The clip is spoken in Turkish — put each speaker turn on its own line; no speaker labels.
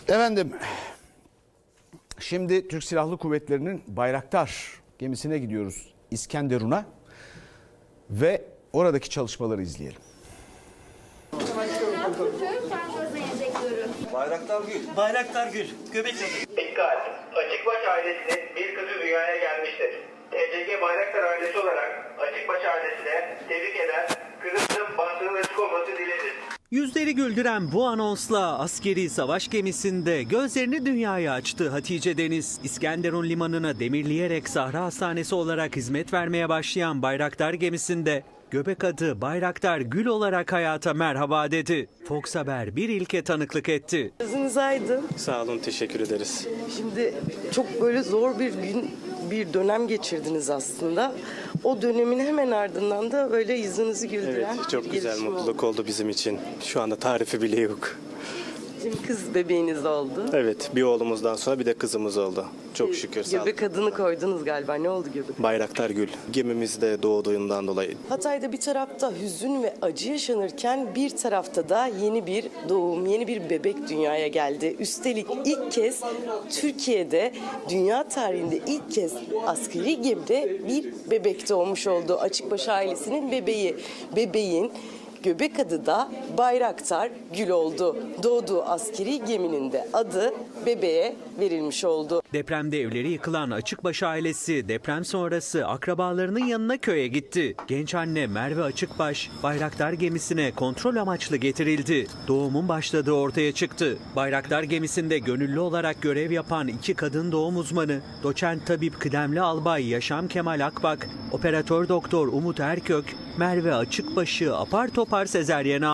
Efendim, şimdi Türk Silahlı Kuvvetleri'nin Bayraktar gemisine gidiyoruz, İskenderun'a, ve oradaki çalışmaları izleyelim.
Bayraktar Gül. Bayraktar Gül. Göbekli.
Dikkat! Açıkbaş ailesinin bir kızı dünyaya gelmiştir. TCG Bayraktar ailesi olarak Açıkbaş ailesine tebrik eder, kızının bahtının açık olması dileriz.
Yüzleri güldüren bu anonsla askeri savaş gemisinde gözlerini dünyaya açtı Hatice Deniz. İskenderun limanına demirleyerek Sahra Hastanesi olarak hizmet vermeye başlayan Bayraktar gemisinde göbek adı Bayraktar Gül olarak hayata merhaba dedi. Fox Haber bir ilke tanıklık etti.
Gözünüz aydın.
Sağ olun, teşekkür ederiz.
Şimdi çok böyle zor bir dönem geçirdiniz aslında. O dönemin hemen ardından da böyle yüzünüzü güldüren
Evet, çok
bir
güzel,
gelişme
mutluluk oldu bizim için. Şu anda tarifi bile yok.
Şimdi kız bebeğiniz oldu.
Evet, bir oğlumuzdan sonra bir de kızımız oldu. Çok şükür, sağ olun.
Göbek adını koydunuz galiba. Ne oldu göbek?
Bayraktar Gül. Gemimizde doğduğundan dolayı.
Hatay'da bir tarafta hüzün ve acı yaşanırken bir tarafta da yeni bir doğum, yeni bir bebek dünyaya geldi. Üstelik ilk kez Türkiye'de, dünya tarihinde ilk kez askeri gemide bir bebek doğmuş oldu. Açıkbaş ailesinin bebeği. Bebeğin göbek adı da Bayraktar Gül oldu. Doğduğu askeri geminin de adı bebeğe verilmiş oldu.
Depremde evleri yıkılan Açıkbaş ailesi deprem sonrası akrabalarının yanına köye gitti. Genç anne Merve Açıkbaş Bayraktar gemisine kontrol amaçlı getirildi. Doğumun başladığı ortaya çıktı. Bayraktar gemisinde gönüllü olarak görev yapan 2 kadın doğum uzmanı, doçent tabip kıdemli albay Yaşam Kemal Akbak, operatör doktor Umut Erkök, Merve Açıkbaş'ı apar topar sezeryene